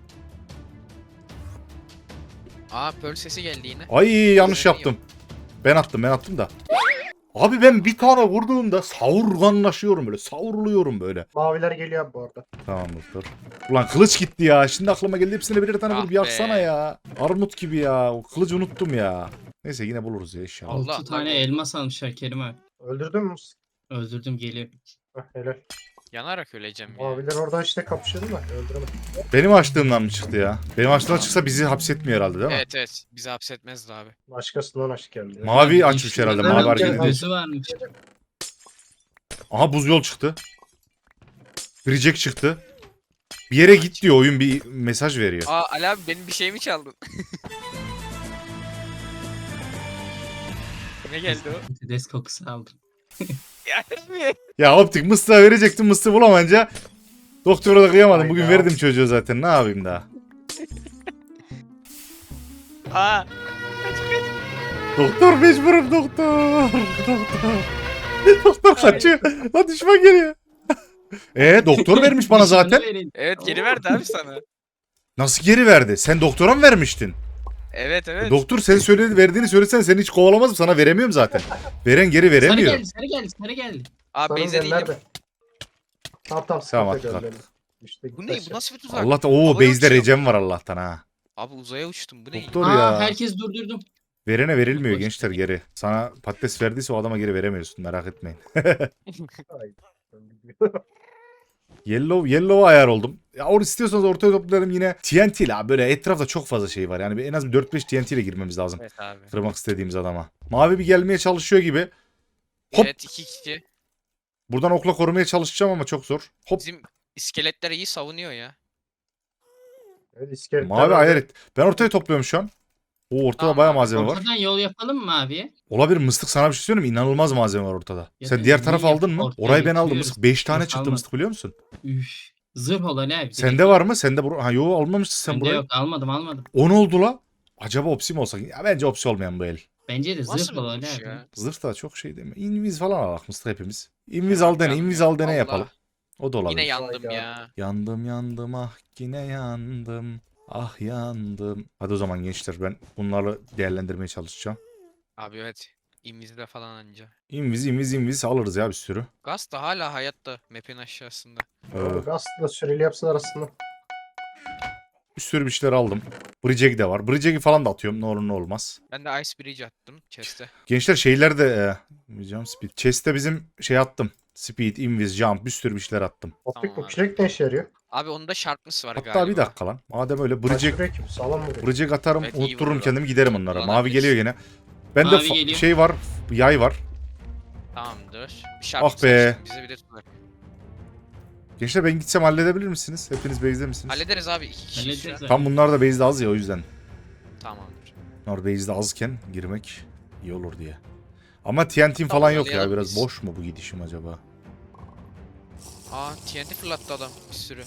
Speaker 2: Aa pearl sesi geldi yine.
Speaker 1: Ay yanlış
Speaker 2: Güzel
Speaker 1: yaptım. Ben attım ben attım da. Abi ben bir tane vurduğumda savurganlaşıyorum böyle. Savruluyorum böyle.
Speaker 3: Maviler geliyor abi bu arada.
Speaker 1: Tamam dur. Ulan kılıç gitti ya. Şimdi aklıma geldi hepsine birer tane
Speaker 2: Ah
Speaker 1: vurup yaksana
Speaker 2: be.
Speaker 1: ya. Armut gibi ya. O kılıcı unuttum ya. Neyse yine buluruz ya inşallah.
Speaker 2: Allah,
Speaker 5: Altı tane
Speaker 2: bak-
Speaker 5: elmas almışlar Kerim abi.
Speaker 3: Öldürdün mü?
Speaker 5: Öldürdüm geliyor.
Speaker 3: Heh, helal.
Speaker 2: Yanarak öleceğim ya.
Speaker 3: Maviler orada işte kapışıyordu da öldüremedim.
Speaker 1: Benim açtığımdan mı çıktı ya? Benim açtığımdan çıksa bizi hapsetmiyor herhalde değil mi?
Speaker 2: Evet evet. Bizi hapsetmezdi abi.
Speaker 3: Başkasından aşk geldi. ya.
Speaker 1: Mavi
Speaker 5: Abi,
Speaker 1: açmış
Speaker 5: yeşil
Speaker 1: herhalde.
Speaker 5: adam
Speaker 1: Mavi
Speaker 3: Evet,
Speaker 1: hareket
Speaker 3: evet.
Speaker 1: ediyor.
Speaker 5: gözü varmış.
Speaker 1: Aha buz yol çıktı. Reject çıktı. Bir yere git diyor oyun bir mesaj veriyor.
Speaker 2: Aa Ali abi benim bir şeyimi çaldın. Ne geldi o?
Speaker 5: Des kokusu aldım.
Speaker 2: Yani
Speaker 1: Ya optik mıstığa verecektim mıstığı bulamayınca doktora da kıyamadım. Bugün
Speaker 3: Hayda.
Speaker 1: verdim çocuğa zaten ne yapayım daha.
Speaker 2: Aa.
Speaker 1: Doktor mecburum doktor. Doktor. Doktor kaçıyor. Lan düşman geliyor. Eee doktor vermiş bana zaten.
Speaker 2: Evet geri verdi abi sana.
Speaker 1: Nasıl geri verdi? Sen doktora mı vermiştin?
Speaker 2: Evet evet.
Speaker 1: Doktor sen söyledi verdiğini söylesen seni hiç kovalamazım. Sana veremiyorum zaten. Veren geri
Speaker 5: Sarı
Speaker 1: veremiyor.
Speaker 5: geldi, sarı geldi, sarı geldi.
Speaker 2: Abi
Speaker 3: Sarı
Speaker 2: Beyze
Speaker 3: gel
Speaker 2: değilim.
Speaker 3: nerede? Tamam tamam
Speaker 1: Tamam,
Speaker 3: sıkıntı
Speaker 1: at,
Speaker 3: yok öldürelim. İşte
Speaker 2: Bu
Speaker 3: gitti
Speaker 2: ne?
Speaker 3: aşağı.
Speaker 2: Bu nasıl bir tuzak?
Speaker 1: Allah da o
Speaker 2: Havaya
Speaker 1: base'de
Speaker 2: uçuyorum.
Speaker 1: recem var Allah'tan ha.
Speaker 2: Abi uzaya uçtum. Bu ne?
Speaker 1: Doktor
Speaker 5: Aa
Speaker 1: ya.
Speaker 5: herkes durdurdum.
Speaker 1: Verene verilmiyor
Speaker 5: Boş
Speaker 1: gençler
Speaker 5: ver.
Speaker 1: geri. Sana patates verdiyse o adama geri veremiyorsun merak etmeyin.
Speaker 3: Hayda.
Speaker 1: Yellow, yellow ayar oldum. Ya or istiyorsanız ortaya toplayalım yine T N T ile. Böyle etrafta çok fazla şey var. Yani bir- en az bir dört beş T N T ile girmemiz lazım.
Speaker 2: Evet abi.
Speaker 1: Kırmak istediğimiz adama. Mavi bir gelmeye çalışıyor gibi. Hop.
Speaker 2: Evet iki kişi.
Speaker 1: Buradan okla korumaya çalışacağım ama çok zor. Hop.
Speaker 2: Bizim iskeletler iyi savunuyor ya.
Speaker 3: Evet, iskeletler
Speaker 1: Mavi
Speaker 3: orada.
Speaker 1: ayar et. Ben ortaya topluyorum şu an. O ortada
Speaker 2: Tamam
Speaker 1: bayağı
Speaker 2: abi,
Speaker 1: malzeme var.
Speaker 5: Ortadan yol yapalım mı abiye?
Speaker 1: Olabilir mıstık sana bir şey söyleyeyim mi? İnanılmaz malzeme var ortada.
Speaker 5: Ya
Speaker 1: Sen
Speaker 5: da
Speaker 1: diğer
Speaker 5: niye
Speaker 1: tarafı
Speaker 5: yap-
Speaker 1: aldın mı?
Speaker 5: ortaya
Speaker 1: Orayı ben aldım
Speaker 5: getiriyoruz.
Speaker 1: mıstık. beş tane
Speaker 5: Yok,
Speaker 1: çıktı
Speaker 5: almadım.
Speaker 1: mıstık biliyor musun?
Speaker 5: Üf. Zırh olan abi.
Speaker 1: Sende var mı? Sende bur ha yo almamışsın sen
Speaker 5: Bende
Speaker 1: burayı.
Speaker 5: yok almadım almadım.
Speaker 1: on oldu la. Acaba opsi mi olsak? Ya bence opsi olmayan bu el.
Speaker 5: Bence de
Speaker 2: Nasıl
Speaker 5: zırh
Speaker 2: bir
Speaker 5: olan
Speaker 2: vuruş
Speaker 5: abi.
Speaker 2: ya?
Speaker 1: Zırh da çok şey değil mi? İnviz falan alak mıstık hepimiz. İnviz
Speaker 2: Ya,
Speaker 1: al dene,
Speaker 2: yandım
Speaker 1: inviz
Speaker 2: ya.
Speaker 1: al dene
Speaker 2: Allah.
Speaker 1: yapalım. O da olabilir.
Speaker 2: Yine yandım
Speaker 3: Hayda.
Speaker 2: ya.
Speaker 1: Yandım yandım ah yine yandım. Ah yandım. Hadi o zaman gençler ben bunları değerlendirmeye çalışacağım.
Speaker 2: Abi evet. İmizde falan anca.
Speaker 1: İnviz inviz inviz alırız ya bir sürü.
Speaker 2: Gaz da hala hayatta. Map'in aşağısında.
Speaker 1: Ee,
Speaker 3: Aslında süreli yapsalar aslında.
Speaker 1: bir sürü bir şeyler aldım. Bridgeg'i de var. Bridgeg'i falan da atıyorum ne olur ne olmaz.
Speaker 2: Ben de Ice Bridge attım chest'e.
Speaker 1: Gençler şeyler de e, jump speed. Chest'e bizim şey attım. Speed, invis, jump bir sürü bir şeyler attım.
Speaker 3: Optik
Speaker 2: Tamam
Speaker 3: bu
Speaker 2: abi.
Speaker 3: kürek ne işe yarıyor?
Speaker 2: Abi onda sharpness var
Speaker 1: Hatta
Speaker 2: galiba.
Speaker 1: bir dakika lan. Madem öyle
Speaker 3: Bridge.
Speaker 1: bridgeg,
Speaker 3: Kürek gibi sağlam vuruyor.
Speaker 1: bridgeg atarım
Speaker 2: Evet, iyi
Speaker 1: unuttururum
Speaker 2: vurur o.
Speaker 1: kendimi giderim
Speaker 2: Çok
Speaker 1: onlara. Mavi
Speaker 2: kullanabilirsin.
Speaker 1: geliyor gene. Bende
Speaker 5: Mavi
Speaker 1: fa-
Speaker 5: geliyor.
Speaker 1: şey var. Yay var.
Speaker 2: Tamamdır. Bir sharpness
Speaker 1: Ah be.
Speaker 2: açtım, bize bir de tuzak.
Speaker 1: Gençler ben gitsem halledebilir misiniz? Hepiniz base'de misiniz?
Speaker 2: Hallederiz abi iki kişi.
Speaker 5: Hallederiz
Speaker 2: şu an.
Speaker 5: abi.
Speaker 1: Tam bunlar da base'de az ya o yüzden.
Speaker 2: Tamamdır.
Speaker 1: Bunlar base'de azken girmek iyi olur diye. Ama T N T'm falan
Speaker 2: Tamam,
Speaker 1: yok ya.
Speaker 2: yollayalım
Speaker 1: Biraz
Speaker 2: biz.
Speaker 1: boş mu bu gidişim acaba?
Speaker 2: Aa T N T fırlattı adam bir sürü.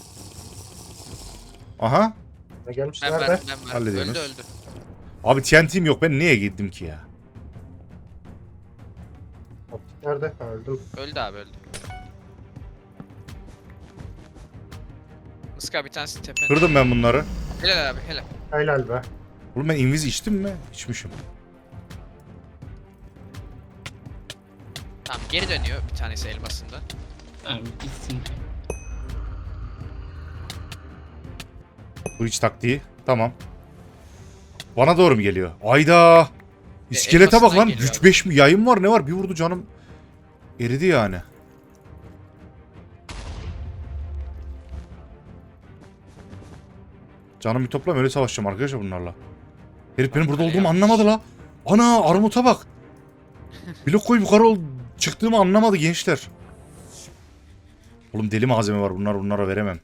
Speaker 1: Aha.
Speaker 3: Ne gelmiş
Speaker 2: Ben
Speaker 3: nerede?
Speaker 2: verdim ben verdim.
Speaker 1: Hallediyorsunuz.
Speaker 2: Öldü öldü.
Speaker 1: Abi T N T'm yok. Ben niye gittim ki ya?
Speaker 3: Optik nerede? Ha, öldüm.
Speaker 2: Öldü abi öldü. Iska bir tanesi tepende.
Speaker 1: Kırdım ben bunları.
Speaker 2: Helal abi helal.
Speaker 3: Helal be.
Speaker 1: Oğlum ben invis içtim mi? İçmişim.
Speaker 2: Tamam geri dönüyor bir tanesi elmasında.
Speaker 5: Tamam gitsin.
Speaker 1: Bu iç taktiği. Tamam. Bana doğru mu geliyor? Ayda. İskelete bak
Speaker 2: elmasından
Speaker 1: lan.
Speaker 2: geliyor
Speaker 1: Güç
Speaker 2: abi.
Speaker 1: beş mi? Yayın var ne var? Bir vurdu canım. Eridi yani. Canım bir toplam öyle savaşacağım arkadaşlar bunlarla. Herif benim burada
Speaker 2: Öyle
Speaker 1: olduğumu
Speaker 2: yapmış.
Speaker 1: anlamadı la. Ana armuta bak. Blok koyup yukarı ol çıktığımı anlamadı gençler. Oğlum deli malzeme var bunlar bunlara veremem.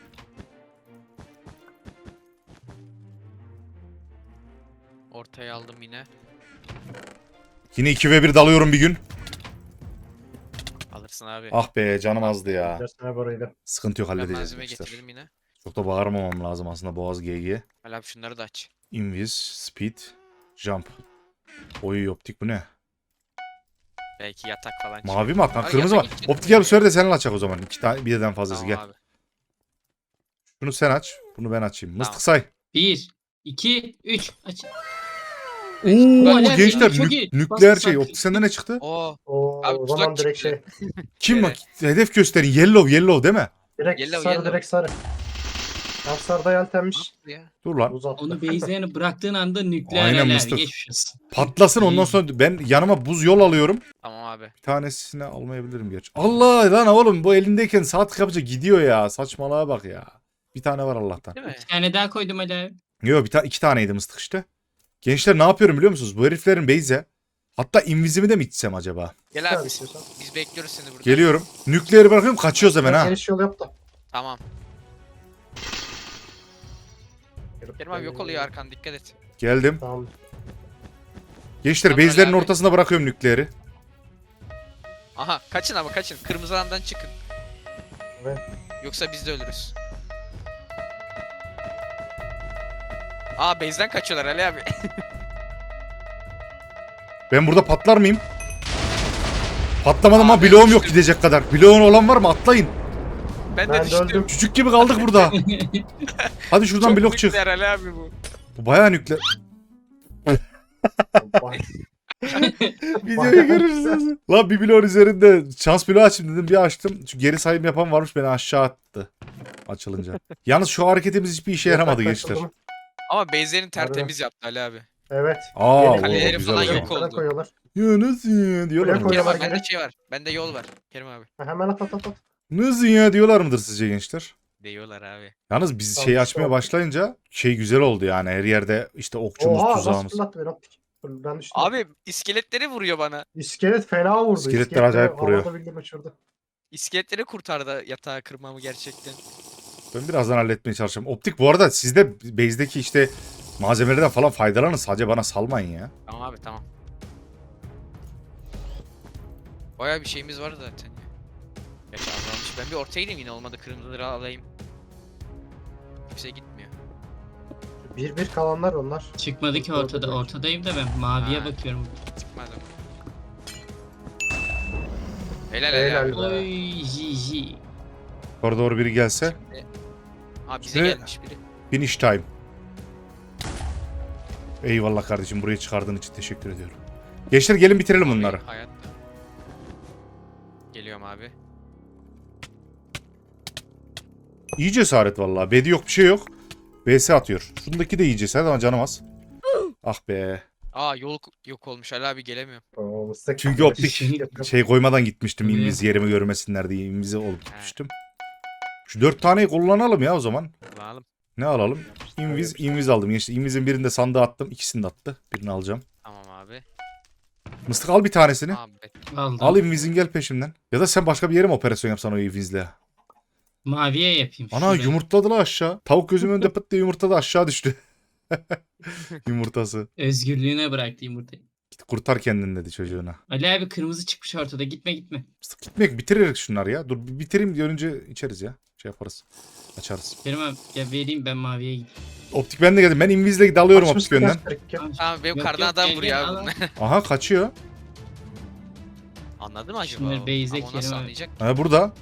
Speaker 2: Ortaya aldım yine.
Speaker 1: Yine iki ve bir dalıyorum bir gün.
Speaker 2: Alırsın abi.
Speaker 1: Ah be canım azdı ya.
Speaker 3: Dersine buraydı.
Speaker 1: Sıkıntı yok
Speaker 2: ben
Speaker 1: halledeceğiz
Speaker 2: malzeme
Speaker 1: gençler.
Speaker 2: getirdim yine.
Speaker 1: Çok da bağırmamam lazım aslında Boğaz G G.
Speaker 2: Hala abi şunları da aç.
Speaker 1: Invis, speed, jump. Oy optik bu ne?
Speaker 2: Belki yatak falan çıkar.
Speaker 1: Mavi mi atlan?
Speaker 2: Ay,
Speaker 1: Kırmızı mı?
Speaker 2: yatak için-
Speaker 1: Optik gel bu sefer de seninle açacak o zaman. İki tane birden fazlası
Speaker 2: Tamam
Speaker 1: gel.
Speaker 2: abi.
Speaker 1: Bunu sen aç. Bunu ben açayım. Mıstık
Speaker 2: Tamam.
Speaker 1: say.
Speaker 5: Bir, iki, üç. Aç.
Speaker 1: Oo
Speaker 5: Alev
Speaker 1: gençler
Speaker 5: ya, çok
Speaker 1: nük-
Speaker 5: iyi.
Speaker 1: nükleer
Speaker 5: Bas,
Speaker 1: şey.
Speaker 5: bas.
Speaker 1: Optik sende ne çıktı?
Speaker 2: Oo.
Speaker 3: Oo,
Speaker 2: Abi
Speaker 3: o
Speaker 2: tuzak
Speaker 3: zaman direkt
Speaker 2: çıktı.
Speaker 3: şey.
Speaker 1: Kim
Speaker 2: Evet.
Speaker 1: bak? Hedef gösterin. Yellow yellow değil mi?
Speaker 3: Direkt
Speaker 2: Yellow,
Speaker 3: sarı
Speaker 2: yellow.
Speaker 3: direkt sarı. Tam sarıda yeltenmiş.
Speaker 2: Ne yaptı ya?
Speaker 1: Dur lan.
Speaker 3: Uzattı.
Speaker 5: Onu base'lerini bıraktığın anda nükleer
Speaker 1: Aynen
Speaker 5: alev.
Speaker 1: mıstık.
Speaker 5: Geçmiş olsun.
Speaker 1: Patlasın ondan sonra ben yanıma buz yol alıyorum.
Speaker 2: Tamam abi.
Speaker 1: Bir tanesini almayabilirim gerçi. Allah lan oğlum bu elindeyken saat kapıca gidiyor ya. Saçmalığa bak ya. Bir tane var Allah'tan.
Speaker 2: Değil mi?
Speaker 5: Bir tane daha koydum alev.
Speaker 1: Yok bir tane iki taneydi mıstık işte. Gençler ne yapıyorum biliyor musunuz? Bu heriflerin base'e. Hatta invizimi de mi içsem acaba?
Speaker 2: Gel
Speaker 3: Gel
Speaker 2: abi.
Speaker 3: istiyorsan.
Speaker 2: Biz bekliyoruz seni burada.
Speaker 1: Geliyorum. Nükleeri bırakıyorum kaçıyoruz hemen ha.
Speaker 3: Geniş yol yap da.
Speaker 2: Tamam. Kerim abi yok oluyor arkan dikkat et.
Speaker 1: Geldim.
Speaker 3: Tamam.
Speaker 1: Gençler
Speaker 2: Tamam,
Speaker 1: base'lerin
Speaker 2: abi.
Speaker 1: ortasına bırakıyorum nükleeri.
Speaker 2: Aha kaçın ama kaçın. Kırmızı alandan çıkın.
Speaker 3: Evet.
Speaker 2: Yoksa biz de ölürüz. Aa base'den kaçıyorlar Ali abi.
Speaker 1: Ben burada patlar mıyım? Patlamadım ama
Speaker 2: Abi,
Speaker 1: bloğum yok
Speaker 2: düştüm.
Speaker 1: gidecek kadar. Bloğun olan var mı? Atlayın.
Speaker 2: Ben de
Speaker 3: Ben de
Speaker 2: düştüm.
Speaker 3: öldüm.
Speaker 1: Küçük gibi kaldık burada. Hadi şuradan
Speaker 2: Çok
Speaker 1: blok çık.
Speaker 2: nükleer Ali abi bu.
Speaker 1: Bu bayağı nükleer.
Speaker 3: Vay.
Speaker 1: Videoyu görürsünüz. Lan bir bloğun üzerinde şans bloğu açayım dedim bir açtım. Çünkü geri sayım yapan varmış beni aşağı attı. Açılınca. Yalnız şu hareketimiz hiçbir işe yaramadı
Speaker 3: Yatak
Speaker 1: gençler.
Speaker 3: açıldı mı?
Speaker 2: Ama base'lerini tertemiz yaptı Ali abi.
Speaker 3: Evet.
Speaker 1: Aa
Speaker 3: Yeni
Speaker 1: o
Speaker 2: kaleleri
Speaker 1: güzel
Speaker 2: falan
Speaker 1: o
Speaker 2: yok
Speaker 1: zaman.
Speaker 2: oldu.
Speaker 3: Nereye koyuyorlar?
Speaker 1: Ya nasıl ya diyorlar
Speaker 3: Buraya
Speaker 1: mı?
Speaker 3: koy.
Speaker 2: Kerim abi
Speaker 3: Koyuyorlar
Speaker 2: bende
Speaker 3: geri.
Speaker 2: şey var. Bende yol var. Kerim abi.
Speaker 3: Ha, hemen at at at at.
Speaker 1: Nasıl ya diyorlar mıdır sizce gençler?
Speaker 2: Diyorlar abi.
Speaker 1: Yalnız biz
Speaker 3: Tamam,
Speaker 1: şeyi
Speaker 3: işte
Speaker 1: açmaya
Speaker 3: o.
Speaker 1: başlayınca şey güzel oldu yani her yerde işte okçumuz
Speaker 3: Oha nasıl
Speaker 1: tuzağımız.
Speaker 3: fırlattı beni optik. Dur, ben düştüm.
Speaker 2: Abi iskeletleri vuruyor bana.
Speaker 3: İskelet fena vurdu.
Speaker 1: İskeletler
Speaker 3: İskeletleri
Speaker 1: acayip vuruyor.
Speaker 3: havada bildiğin uçurdu.
Speaker 2: İskeletleri kurtardı yatağı kırmamı gerçekten.
Speaker 1: Ben birazdan halletmeye çalışacağım. Optik bu arada sizde base'deki işte malzemelerden falan faydalanın. Sadece bana salmayın ya.
Speaker 2: Tamam abi tamam. Bayağı bir şeyimiz var zaten ya. Gerçi azalmış. Ben bir ortaya gideyim yine olmadı kırmızıları alayım. Kimse gitmiyor.
Speaker 3: Bir bir kalanlar onlar.
Speaker 5: Çıkmadı ki ortada. Ortadayım da ben maviye
Speaker 2: Ha.
Speaker 5: bakıyorum.
Speaker 2: Çıkmadı. Helal helal.
Speaker 3: Helal.
Speaker 2: abi.
Speaker 3: be.
Speaker 5: Oy ji ji.
Speaker 1: Orada doğru biri gelse.
Speaker 2: Abi bize
Speaker 1: Ve-
Speaker 2: gelmiş biri.
Speaker 1: Finish time. Eyvallah kardeşim buraya çıkardığın için teşekkür ediyorum. Gençler gelin bitirelim
Speaker 2: Abi,
Speaker 1: bunları.
Speaker 2: Hayatta. Geliyorum abi.
Speaker 1: İyi cesaret vallahi. Bedi yok bir şey yok. B S atıyor. Şundaki de iyi cesaret ama canım az. Ah be.
Speaker 2: Aa yol yok olmuş Ali abi gelemiyorum.
Speaker 3: Oo, mıstık.
Speaker 1: Çünkü optik
Speaker 5: Şey-
Speaker 1: şey koymadan gitmiştim.
Speaker 5: Evet.
Speaker 1: İnviz yerimi görmesinler diye invize olup gitmiştim. Şu dört taneyi kullanalım ya o zaman.
Speaker 2: Alalım.
Speaker 1: Ne alalım? Inviz, inviz aldım. İşte invizin birinde sandığa attım. İkisini de attı. Birini alacağım.
Speaker 2: Tamam abi.
Speaker 1: Mıstık al bir tanesini.
Speaker 2: Abi
Speaker 5: Aldım.
Speaker 1: Al invizin gel peşimden. Ya da sen başka bir yere mi operasyon yapsan o invizle?
Speaker 5: Maviye yapayım.
Speaker 1: Ana
Speaker 5: şuraya.
Speaker 1: yumurtladı la aşağı. Tavuk gözümün önünde pıt diye yumurtladı aşağı düştü. Yumurtası.
Speaker 5: Özgürlüğüne bıraktı yumurtayı.
Speaker 1: Git kurtar kendini dedi çocuğuna.
Speaker 5: Ali abi kırmızı çıkmış ortada. Gitme gitme.
Speaker 1: Mıstık gitmek bitirerek şunları ya. Dur bir bitireyim görünce içeriz ya. Şey yaparız. Açarız.
Speaker 5: Kerim abi ya vereyim ben maviye gideyim.
Speaker 1: Optik ben de geldim. Ben invizle dalıyorum optik
Speaker 3: Açmışsın
Speaker 1: yönden.
Speaker 3: kaç kırık ya.
Speaker 2: Tamam benim
Speaker 5: Yok,
Speaker 2: kardan
Speaker 5: yok,
Speaker 2: adam
Speaker 5: gel,
Speaker 2: vuruyor
Speaker 5: gel,
Speaker 2: abi
Speaker 5: al,
Speaker 2: bunlar.
Speaker 1: Aha kaçıyor.
Speaker 2: Anladı mı acaba?
Speaker 5: Şunları
Speaker 2: o?
Speaker 5: base'e
Speaker 2: Ama o nasıl
Speaker 5: Kerim abi.
Speaker 2: anlayacak?
Speaker 1: Ha burada.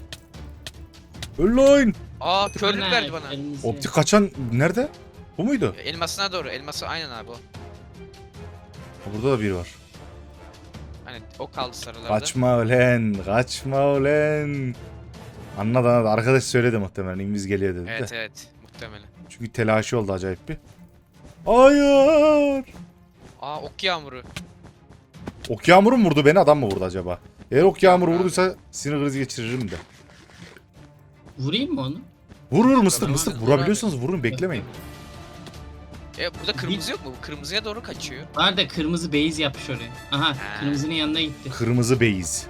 Speaker 1: Öl
Speaker 2: Aa körlük
Speaker 5: Öner,
Speaker 2: verdi bana.
Speaker 5: elinizi-
Speaker 1: Optik kaçan nerede? Bu muydu?
Speaker 2: Elmasına doğru. Elması aynen abi o.
Speaker 1: Ha, burada da biri var.
Speaker 2: Hani o kaldı sarılarda.
Speaker 1: Kaçma ulen. Kaçma ulen. Anladı anladı. Arkadaş söyledi muhtemelen. İnviz geliyor dedi
Speaker 2: Evet
Speaker 1: de.
Speaker 2: evet. Muhtemelen.
Speaker 1: Çünkü telaşı oldu acayip bir. Hayır.
Speaker 2: Aa ok yağmuru.
Speaker 1: Ok yağmuru mu vurdu beni adam mı vurdu acaba? Eğer ok yağmuru
Speaker 2: Yağmur abi.
Speaker 1: vurduysa sinir krizi geçiririm de.
Speaker 5: Vurayım mı onu?
Speaker 1: Vurur mıstık
Speaker 2: Tamam,
Speaker 1: mıstık
Speaker 2: vur abi.
Speaker 1: vurabiliyorsanız vurun beklemeyin.
Speaker 2: E burada kırmızı yok mu? Bu kırmızıya doğru kaçıyor.
Speaker 5: Var da kırmızı base yapmış oraya. Aha
Speaker 2: Ha.
Speaker 5: kırmızının yanına gitti.
Speaker 1: Kırmızı beyiz.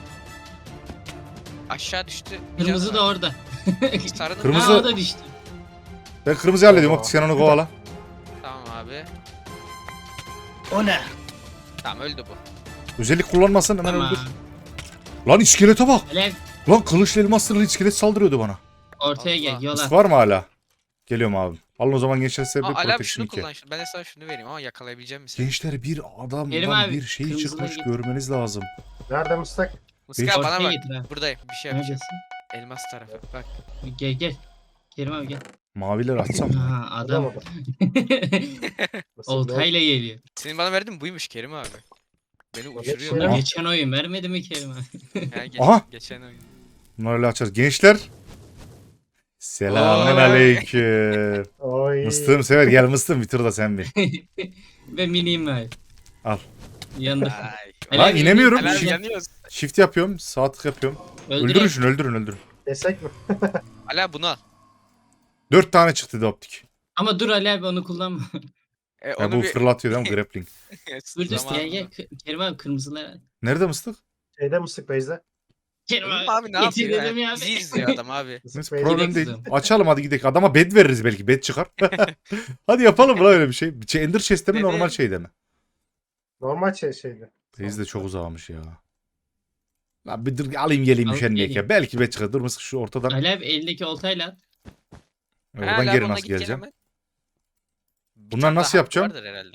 Speaker 2: Aşağı düştü.
Speaker 5: Kırmızı da orada.
Speaker 2: Sarının
Speaker 1: Kırmızı-
Speaker 5: Ha o da düştü.
Speaker 1: Ben kırmızı hallediyorum
Speaker 3: Aa.
Speaker 1: optik sen onu kovala.
Speaker 2: Tamam abi.
Speaker 4: O ne?
Speaker 2: Tamam öldü bu.
Speaker 1: Özellik kullanmasın hemen
Speaker 5: Tamam.
Speaker 1: öldür. Lan iskelete bak.
Speaker 5: Alev
Speaker 1: Lan kılıçlı elmas sırrı iskelet saldırıyordu bana.
Speaker 5: ortaya gel
Speaker 2: Allah.
Speaker 5: yola.
Speaker 1: Mıstık var mı hala? Geliyorum abi. Alın o zaman gençler size bir
Speaker 2: Aa Ali abi
Speaker 1: protection
Speaker 2: şunu
Speaker 1: iki.
Speaker 2: kullan. şunu. Ben de sana şunu vereyim ama yakalayabileceğim misin?
Speaker 1: Gençler bir adamdan
Speaker 5: Kerim abi,
Speaker 1: bir şey
Speaker 5: kırmızıları
Speaker 1: çıkmış
Speaker 5: git.
Speaker 1: görmeniz lazım.
Speaker 3: Nerede mıstık?
Speaker 2: Mıska bana
Speaker 5: Ortaya
Speaker 2: bak.
Speaker 5: getir ha.
Speaker 2: Buradayım. Bir şey yapacağım.
Speaker 5: Neredesin?
Speaker 2: Elmas tarafı. Bak.
Speaker 5: Gel gel. Kerim abi gel.
Speaker 1: Maviler açsam.
Speaker 5: Ha adam.
Speaker 3: Adam. Nasıl
Speaker 5: Oltayla geliyor.
Speaker 2: Senin bana verdiğin buymuş Kerim abi. Beni uçuruyor.
Speaker 3: şey
Speaker 5: Bunlar
Speaker 3: Aha.
Speaker 5: geçen oyun vermedi mi Kerim abi?
Speaker 2: Ha, geç,
Speaker 1: Aha.
Speaker 2: Geçen oyun.
Speaker 1: Bunları öyle açarız. Gençler. Selamun
Speaker 5: Oy.
Speaker 1: aleyküm.
Speaker 3: Oy.
Speaker 1: Mıstığım sever. Gel mıstığım bitir da sen bir.
Speaker 5: Ve miniyim var.
Speaker 1: Al.
Speaker 5: Yanında.
Speaker 2: Ay.
Speaker 1: Lan
Speaker 5: Ali abi,
Speaker 1: inemiyorum.
Speaker 2: Ali abi
Speaker 1: Shift,
Speaker 2: yanıyoruz.
Speaker 1: shift yapıyorum. Sağ tık yapıyorum.
Speaker 5: Öldüreyim.
Speaker 1: Öldürün şunu öldürün öldürün.
Speaker 3: Desek mi?
Speaker 2: Ali abi bunu al.
Speaker 1: Dört tane çıktı da optik.
Speaker 5: Ama dur Ali abi onu kullanma.
Speaker 2: E,
Speaker 1: Ya
Speaker 2: onu
Speaker 1: bu
Speaker 2: bir...
Speaker 1: fırlatıyor değil mi grappling?
Speaker 5: Dur dur
Speaker 2: Zamanında.
Speaker 5: gel gel. K- Kerim abi kırmızılar. al.
Speaker 1: Nerede mıstık?
Speaker 3: Şeyde mıstık Beyza?
Speaker 5: Kerim
Speaker 2: Oğlum
Speaker 5: abi,
Speaker 2: abi ne
Speaker 5: getir
Speaker 2: yapıyor
Speaker 5: dedim
Speaker 2: ya?
Speaker 5: ya.
Speaker 2: Bizi izliyor adam abi.
Speaker 3: Mısık
Speaker 1: Neyse
Speaker 3: Beyza.
Speaker 1: problem
Speaker 5: Gidelim
Speaker 1: değil.
Speaker 5: kızım.
Speaker 1: Açalım hadi gidelim. Adama bed veririz belki. Bed çıkar. Hadi yapalım lan öyle bir şey. Şey, Ender chest'te mi
Speaker 2: Dedi.
Speaker 1: normal şeyde mi?
Speaker 3: Normal şey şeydi.
Speaker 1: Reis de çok uzamış ya. Lan bir dur alayım geleyim
Speaker 5: Alıp
Speaker 1: üşenmeyek
Speaker 5: geleyim.
Speaker 1: ya. Belki bed çıkar. Dur mısık şu ortadan.
Speaker 5: Ali abi eldeki oltayla at.
Speaker 1: Oradan
Speaker 2: Ha,
Speaker 1: geri
Speaker 2: Lavon'la
Speaker 1: nasıl
Speaker 2: git gel
Speaker 1: geleceğim?
Speaker 2: hemen. Bir
Speaker 1: Bunlar
Speaker 2: tane
Speaker 1: nasıl
Speaker 2: daha
Speaker 1: yapacağım?
Speaker 2: Vardır herhalde.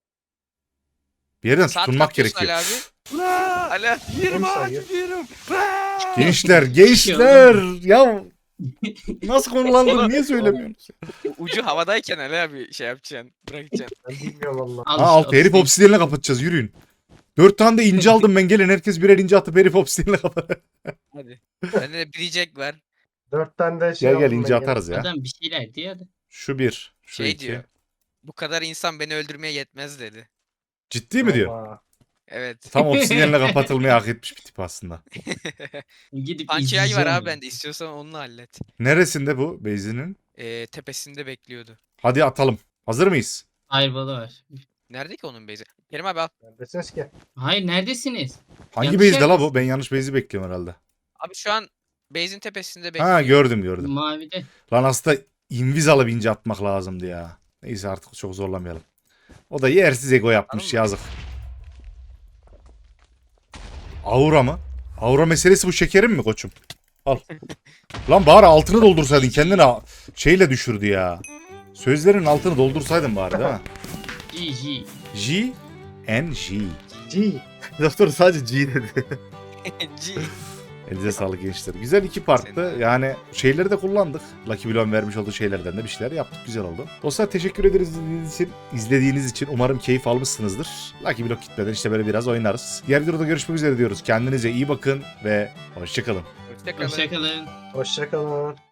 Speaker 1: Bir yerden
Speaker 2: Saat
Speaker 1: tutunmak
Speaker 2: kapıyorsun
Speaker 1: gerekiyor.
Speaker 2: Ali abi. Ali abi.
Speaker 3: Yerim sayıyor.
Speaker 1: Gençler, gençler. Ya nasıl konulandın? Niye söylemiyorsunuz?
Speaker 2: Ucu havadayken Ali abi şey yapacaksın. Bırakacaksın.
Speaker 3: Ben bilmiyorum valla.
Speaker 5: Al
Speaker 1: Ha
Speaker 5: işte,
Speaker 1: alt herif
Speaker 5: obsidian.
Speaker 1: obsidiyenle kapatacağız yürüyün. Dört tane de ince aldım ben gelin herkes birer ince atıp herif obsidiyenle kapat.
Speaker 2: Hadi. Bende de bilecek var.
Speaker 3: Dört tane de şey
Speaker 1: Gel gel
Speaker 3: aldım
Speaker 1: ince
Speaker 3: ben
Speaker 1: atarız ya.
Speaker 5: Adam bir şeyler diyor da.
Speaker 1: Şu bir, şu
Speaker 2: Şey
Speaker 1: iki.
Speaker 2: diyor. Bu kadar insan beni öldürmeye yetmez dedi.
Speaker 1: Ciddi
Speaker 3: gene.
Speaker 1: mi diyor?
Speaker 3: Valla.
Speaker 2: Evet.
Speaker 1: Tam obsidiyenle kapatılmayı hak etmiş bir tip aslında.
Speaker 5: Gidip
Speaker 2: Pançayay
Speaker 5: izleyeceğim
Speaker 2: var
Speaker 5: ya.
Speaker 2: abi bende. İstiyorsan onunla hallet.
Speaker 1: Neresinde bu Beyzi'nin?
Speaker 2: Ee, tepesinde bekliyordu.
Speaker 1: Hadi atalım. Hazır mıyız?
Speaker 5: Fireball'ı var.
Speaker 2: Nerede ki onun base'i? Kerim abi al.
Speaker 3: Neredesiniz ki?
Speaker 5: Hayır neredesiniz?
Speaker 1: Hangi
Speaker 5: Yanlış
Speaker 1: Beyzi'de la
Speaker 5: yerdesin.
Speaker 1: bu? Ben yanlış Beyzi bekliyorum herhalde.
Speaker 2: Abi şu an base'in tepesinde bekliyor.
Speaker 1: Ha gördüm gördüm.
Speaker 5: Mavide.
Speaker 1: Lan aslında inviz alıp ince atmak lazımdı ya. Neyse artık çok zorlamayalım. O da yersiz ego yapmış
Speaker 2: Anladın mı?
Speaker 1: yazık. Aura mı? Aura meselesi bu şekerim mi koçum? Al. Lan bari altını doldursaydın kendine a- şeyle düşürdü ya. Sözlerin altını doldursaydın bari değil mi?
Speaker 5: G G.
Speaker 1: G N G.
Speaker 3: G.
Speaker 1: Doktor sadece G dedi.
Speaker 2: G.
Speaker 1: Elinize sağlık gençler. Güzel iki parttı.
Speaker 2: Senin de.
Speaker 1: Yani şeyleri de kullandık. Lucky Block'un vermiş olduğu şeylerden de bir şeyler yaptık. Güzel oldu. Dostlar teşekkür ederiz izlediğiniz için. İzlediğiniz için umarım keyif almışsınızdır. Lucky Block gitmeden işte böyle biraz oynarız. Diğer videoda görüşmek üzere diyoruz. Kendinize iyi bakın ve hoşçakalın.
Speaker 2: Hoşçakalın.
Speaker 5: Hoşçakalın.
Speaker 3: Hoşçakalın.